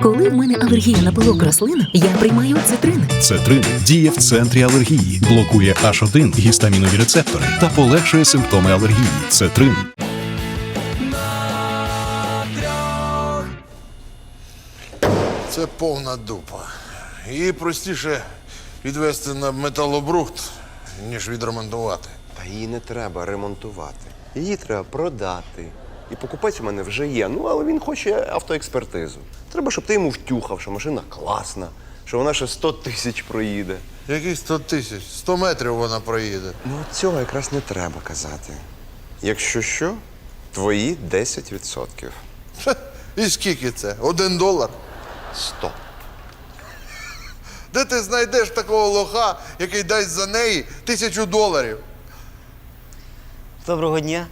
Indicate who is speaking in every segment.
Speaker 1: Коли в мене алергія на пилок рослин, я приймаю цитрин.
Speaker 2: Цетрин діє в центрі алергії, блокує H1 гістамінові рецептори та полегшує симптоми алергії. Цетрин.
Speaker 3: Це повна дупа. Її простіше відвести на металобрухт, ніж відремонтувати.
Speaker 4: Та її не треба ремонтувати. Її треба продати. І покупець у мене вже є. Ну, але він хоче автоекспертизу. Треба, щоб ти йому втюхав, що машина класна, що вона ще 100 тисяч проїде.
Speaker 3: Яких 100 тисяч? 100 метрів вона проїде.
Speaker 4: Ну, от цього якраз не треба казати. Якщо що, твої 10%.
Speaker 3: Ха, і скільки це? $1?
Speaker 4: 100.
Speaker 3: Де ти знайдеш такого лоха, який дасть за неї $1000?
Speaker 5: Доброго дня.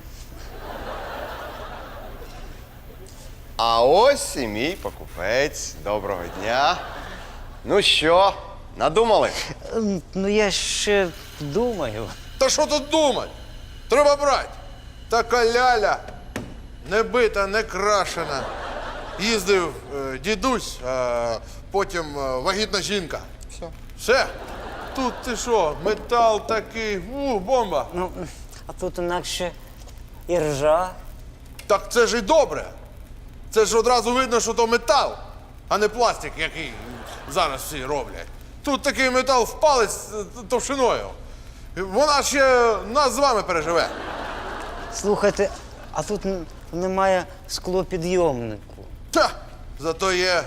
Speaker 4: А ось і мій покупець. Доброго дня. Ну що, надумали?
Speaker 5: Ну я ще думаю.
Speaker 3: Та що тут думать? Треба брати. Така ляля, не бита, не крашена. Їздив дідусь, а потім вагітна жінка.
Speaker 4: Все.
Speaker 3: Все. Тут ти що, метал такий, бомба.
Speaker 5: Ну, а тут інакше і ржа.
Speaker 3: Так це ж і добре. Це ж одразу видно, що то метал, а не пластик, який зараз всі роблять. Тут такий метал в палець товщиною. Вона ще нас з вами переживе.
Speaker 5: Слухайте, а тут немає склопідйомнику.
Speaker 3: Та, зато є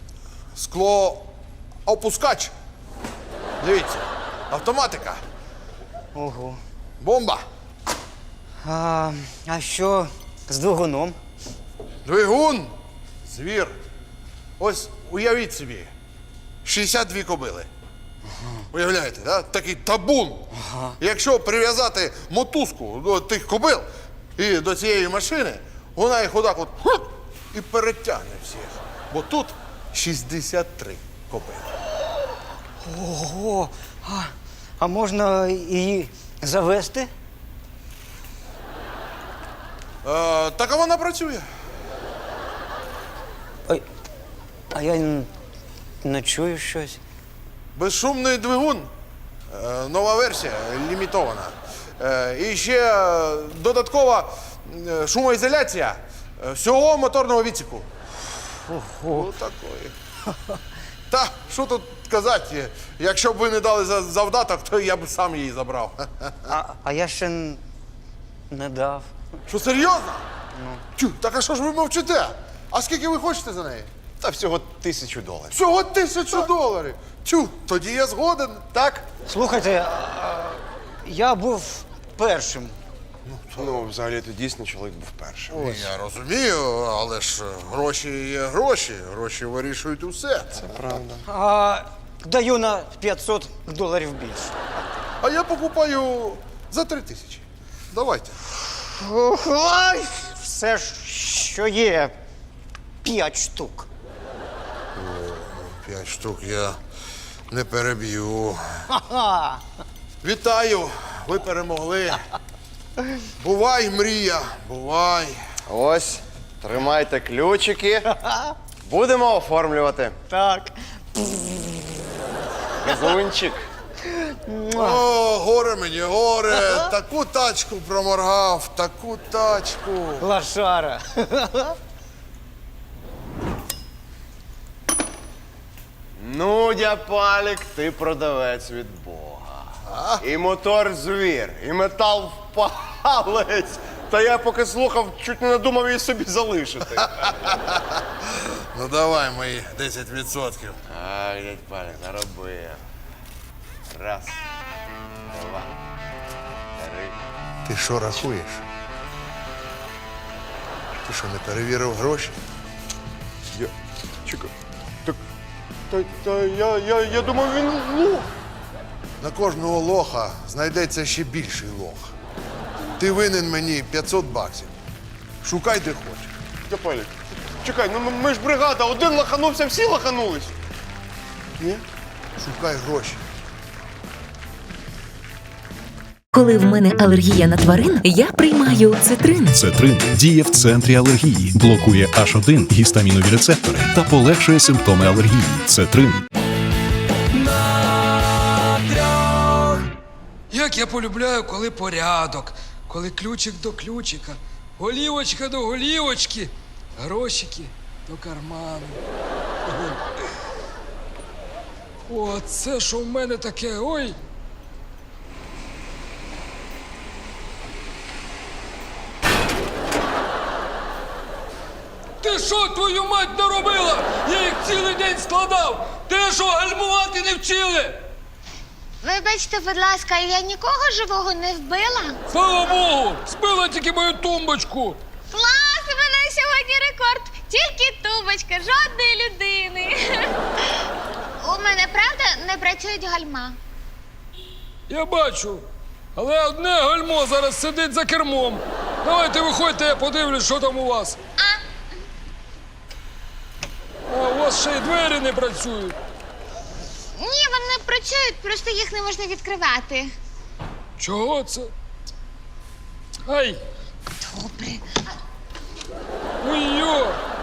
Speaker 3: склоопускач. Дивіться, автоматика.
Speaker 5: Ого.
Speaker 3: Бомба.
Speaker 5: А що з двигуном?
Speaker 3: Двигун. Звір. Ось уявіть собі. 62 кобили. Уявляєте, да? Такий табун. Якщо прив'язати мотузку до тих кобил і до цієї машини, вона їх отак от і перетягне всіх. Бо тут 63 кобили.
Speaker 5: Ого. А можна її завести?
Speaker 3: Так а вона працює.
Speaker 5: Ой, а я не чую щось.
Speaker 3: Безшумний двигун. Нова версія, лімітована. І ще додаткова шумоізоляція всього моторного відсіку.
Speaker 5: Ого.
Speaker 3: Такої. Та, що тут казати, якщо б ви не дали завдаток, то я б сам її забрав.
Speaker 5: А я ще не дав.
Speaker 3: Що, серйозно? Тю, так а що ж ви мовчите? А скільки ви хочете за неї?
Speaker 4: Та всього $1000.
Speaker 3: Всього $1000. Тю, тоді я згоден.
Speaker 4: Так?
Speaker 5: Слухайте, я був першим.
Speaker 4: Ну, взагалі-то дійсно чоловік був першим.
Speaker 3: Я розумію, але ж гроші є гроші. Гроші вирішують усе.
Speaker 4: Це правда.
Speaker 5: Даю на $500 більше.
Speaker 3: А я покупаю за 3000. Давайте.
Speaker 5: Ой, все ж, що є. 5 штук.
Speaker 3: 5 штук я не переб'ю.
Speaker 5: Ага.
Speaker 3: Вітаю, ви перемогли. Бувай, мрія, бувай.
Speaker 4: Ось, тримайте ключики. Будемо оформлювати.
Speaker 5: Так.
Speaker 4: Газунчик.
Speaker 3: О, горе мені, горе. Таку тачку проморгав, таку тачку.
Speaker 5: Лошара.
Speaker 4: Ну, дяпалік, ти продавець від Бога. І мотор звір, і метал в палець. Та я поки слухав, чуть не надумав її собі залишити.
Speaker 3: Ну давай мої 10%.
Speaker 4: Ай, дядь Палік, наробив. Раз, два, три.
Speaker 3: Ти що рахуєш? Ти що, не перевірив гроші?
Speaker 4: Чекай. Так, я думав, він лох.
Speaker 3: На кожного лоха знайдеться ще більший лох. Ти винен мені $500. Шукай де хочеш.
Speaker 4: Дяпалік, чекай, ну ми ж бригада, один лоханувся, всі лоханулись.
Speaker 3: Ні? Шукай гроші.
Speaker 1: Коли в мене алергія на тварин, я приймаю цитрин.
Speaker 2: Цетрин діє в центрі алергії, блокує H1 гістамінові рецептори та полегшує симптоми алергії. Цетрин.
Speaker 6: Як я полюбляю, коли порядок, коли ключик до ключика, голівочка до голівочки, грошики до карману. О, це що в мене таке, ой. Ти що, твою мать, наробила? Я їх цілий день складав. Ти що, гальмувати не вчили?
Speaker 7: Вибачте, будь ласка, я нікого живого не вбила.
Speaker 6: Слава Богу, збила тільки мою тумбочку.
Speaker 7: Клас, у мене сьогодні рекорд. Тільки тумбочка, жодної людини. У мене, правда, не працюють гальма.
Speaker 6: Я бачу. Але одне гальмо зараз сидить за кермом. Давайте виходьте, я подивлюсь, що там у вас. А у вас ще й двері не працюють.
Speaker 7: Ні, вони працюють, просто їх не можна відкривати.
Speaker 6: Чого це? Ай!
Speaker 7: Добре.
Speaker 6: Ой-йо!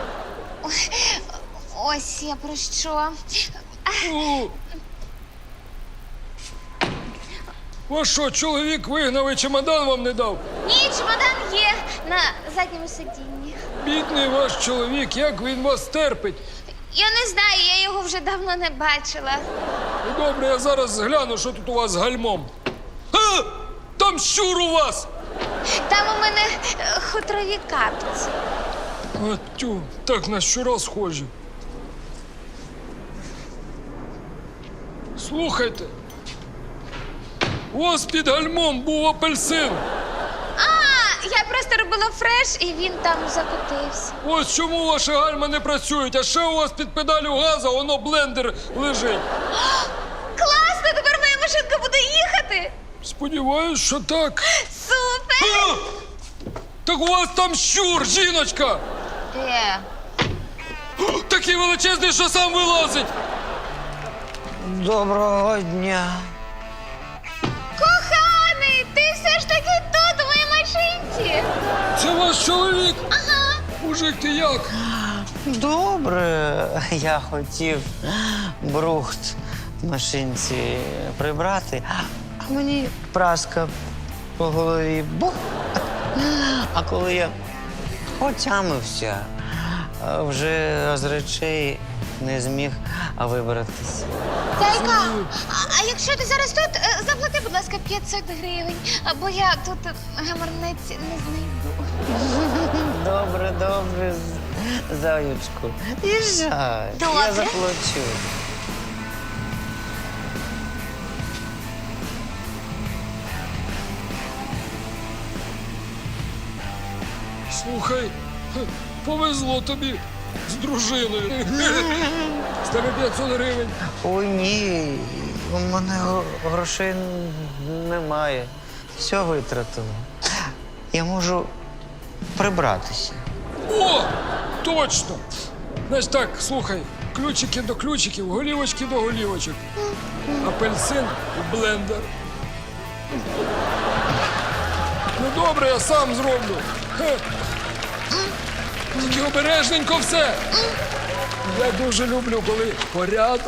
Speaker 7: Ось я про що.
Speaker 6: У. Вас що, чоловік вигнав і чемодан вам не дав?
Speaker 7: Ні, чемодан є на задньому сидінні.
Speaker 6: Бідний ваш чоловік, як він вас терпить?
Speaker 7: Я не знаю, я його вже давно не бачила.
Speaker 6: Ну, добре, я зараз гляну, що тут у вас з гальмом. А! Там щур у вас!
Speaker 7: Там у мене хутрові капці.
Speaker 6: А тю, так на щура схожі. Слухайте, у вас під гальмом був апельсин.
Speaker 7: А, я просто робила фреш, і він там закотився.
Speaker 6: Ось чому ваші гальма не працюють, а ще у вас під педалю газу воно блендер лежить.
Speaker 7: Класно, тепер моя машинка буде їхати.
Speaker 6: Сподіваюсь, що так.
Speaker 7: Супер!
Speaker 6: А! Так у вас там щур, жіночка!
Speaker 7: Де?
Speaker 6: Такий величезний, що сам вилазить!
Speaker 5: Доброго дня.
Speaker 7: Коханий, ти все ж таки тут, у моїй машинці.
Speaker 6: Це ваш чоловік?
Speaker 7: Ага.
Speaker 6: Мужик, ти як?
Speaker 5: Добре, я хотів брухт в машинці прибрати, а мені праска по голові. Бух! А коли я отямився, вже з речей не зміг вибратися.
Speaker 7: Зайка, а якщо ти зараз тут, заплати, будь ласка, 500 гривень, бо я тут гаманець не знайду.
Speaker 5: Добре, добре, заючку. Їжджай,
Speaker 7: Добре.
Speaker 5: я заплачу.
Speaker 6: Слухай, повезло тобі з дружиною. З тебе 500 гривень.
Speaker 5: Ой, ні, у мене грошей немає. Все витратила. Я можу прибратися.
Speaker 6: О, точно! Значить так, слухай, ключики до ключиків, голівочки до голівочок. Апельсин і блендер. Ну добре, я сам зроблю. Хе. Тільки обережненько все. Я дуже люблю, коли порядок.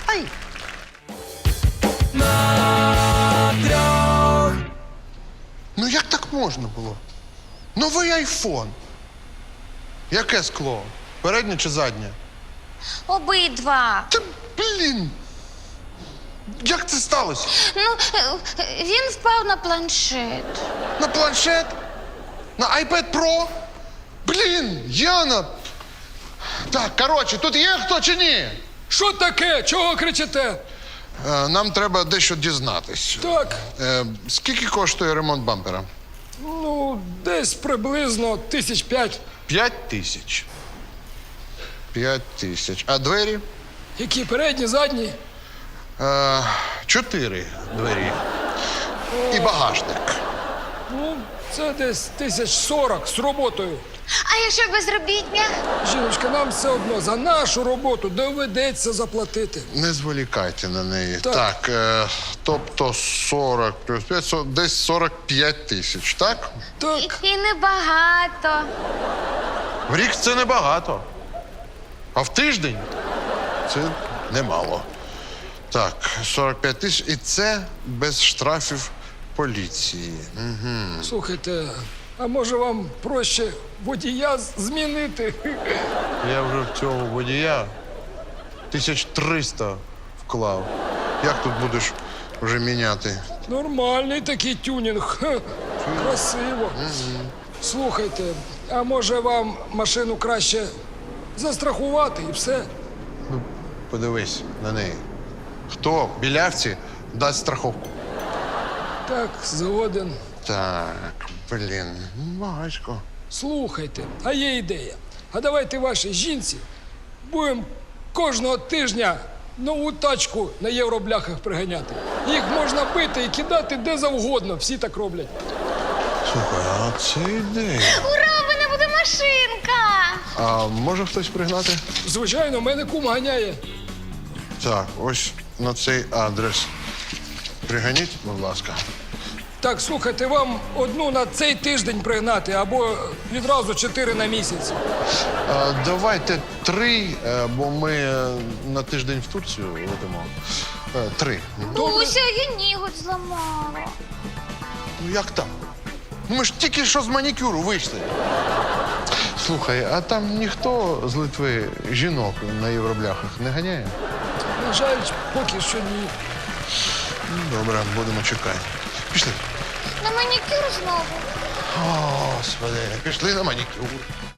Speaker 3: Ну як так можна було? Новий айфон. Яке скло? Переднє чи заднє?
Speaker 7: Обидва.
Speaker 3: Та блін. Як це сталося?
Speaker 7: Ну, він впав на планшет.
Speaker 3: На планшет? На iPad Pro? Блін, Яна. Так, коротше, тут є хто чи ні?
Speaker 6: Що таке? Чого кричите?
Speaker 3: Нам треба дещо дізнатись.
Speaker 6: Так,
Speaker 3: Скільки коштує ремонт бампера?
Speaker 6: ну, десь приблизно 5,000.
Speaker 3: 5000. 5000. А двері?
Speaker 6: Які передні, задні?
Speaker 3: 4 двері. І багажник.
Speaker 6: Ну, це десь 1040 з роботою.
Speaker 7: А якщо безробітня?
Speaker 6: Жіночка, нам все одно за нашу роботу доведеться заплатити.
Speaker 3: Не зволікайте на неї.
Speaker 6: Так.
Speaker 3: Так, тобто 40 плюс 5, десь 45 тисяч, так?
Speaker 6: Так,
Speaker 7: І небагато.
Speaker 3: В рік це небагато. А в тиждень це немало. Так, 45 тисяч, і це без штрафів поліції.
Speaker 6: слухайте, а може вам проще водія змінити?
Speaker 3: Я вже в цього водія 1300 вклав. Як тут будеш вже міняти?
Speaker 6: Нормальний такий тюнінг. Ха, красиво. Слухайте, а може вам машину краще застрахувати і все?
Speaker 3: Подивись на неї. Хто білявці дасть страховку?
Speaker 6: Так, згоден.
Speaker 3: Так, блін, важко.
Speaker 6: Слухайте, а є ідея. А давайте вашій жінці будемо кожного тижня нову тачку на євробляхах приганяти. Їх можна бити і кидати де завгодно, всі так роблять.
Speaker 3: Слухай, а це ідея.
Speaker 7: Ура, в мене буде машинка!
Speaker 3: А може хтось пригнати?
Speaker 6: Звичайно, мене кум ганяє.
Speaker 3: Так, ось на цей адрес. Приганіть, будь ласка.
Speaker 6: Так, слухайте, вам одну на цей тиждень пригнати або відразу 4 на місяць.
Speaker 3: Давайте 3, бо ми на тиждень в Турцію летимо. 3.
Speaker 7: Буся, я ніготь зламала.
Speaker 3: Ну як так? Ми ж тільки що з манікюру вийшли. Слухай, а там ніхто з Литви жінок на євробляхах не ганяє?
Speaker 6: На жаль, поки що ні.
Speaker 3: Добре, будемо чекати. Пішли.
Speaker 7: На манікюр знову.
Speaker 3: Господи, пішли на манікюр.